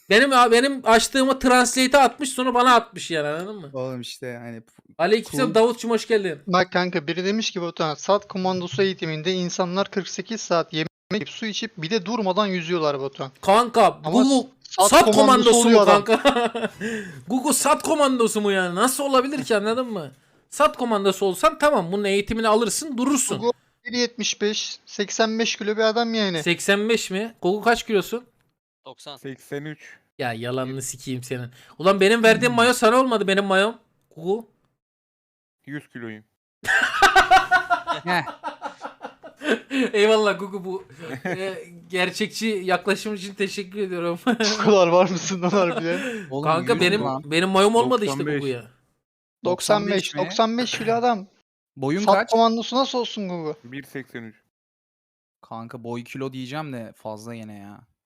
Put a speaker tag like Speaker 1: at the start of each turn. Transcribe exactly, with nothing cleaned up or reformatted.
Speaker 1: Benim benim açtığımı translate'e atmış sonra bana atmış yani anladın mı?
Speaker 2: Oğlum işte yani.
Speaker 1: Aleykümselam
Speaker 2: Cool.
Speaker 1: Davutçum hoş geldin.
Speaker 3: Bak kanka biri demiş ki Batuhan SAT komandosu eğitiminde insanlar kırk sekiz saat yemek yiyip su içip bir de durmadan yüzüyorlar Batuhan.
Speaker 1: Kanka
Speaker 3: Ama
Speaker 1: Google
Speaker 3: sat
Speaker 1: sat,
Speaker 3: komandosu
Speaker 1: komandosu mu
Speaker 3: oluyor adam.
Speaker 1: kanka? Google sat komandosu mu yani? Nasıl olabilir ki anladın mı? Sat komandosu olsan tamam bunun eğitimini alırsın durursun.
Speaker 3: Google bir yetmiş beş seksen beş kilo bir adam yani.
Speaker 1: seksen beş mi? Google kaç kilosun?
Speaker 4: doksan.
Speaker 5: seksen üç.
Speaker 1: Ya yalanını sikeyim senin. Ulan benim verdiğim mayo sana olmadı benim mayom. Google.
Speaker 5: yüz kiloyum.
Speaker 2: Heh.
Speaker 1: Eyvallah Google bu e, gerçekçi yaklaşım için teşekkür ediyorum.
Speaker 3: Bu kadar var mısın lan harbiden?
Speaker 2: Oğlum
Speaker 1: Kanka
Speaker 2: yüz
Speaker 1: benim
Speaker 2: lan.
Speaker 1: benim mayom olmadı işte
Speaker 5: doksan beş.
Speaker 1: Google'ya.
Speaker 3: doksan beş
Speaker 2: mi?
Speaker 3: doksan beş kilo adam.
Speaker 2: Boyun
Speaker 3: Sat
Speaker 2: kaç?
Speaker 3: komandosu nasıl olsun Google?
Speaker 5: bir seksen üç.
Speaker 2: Kanka boy kilo diyeceğim de fazla yine ya.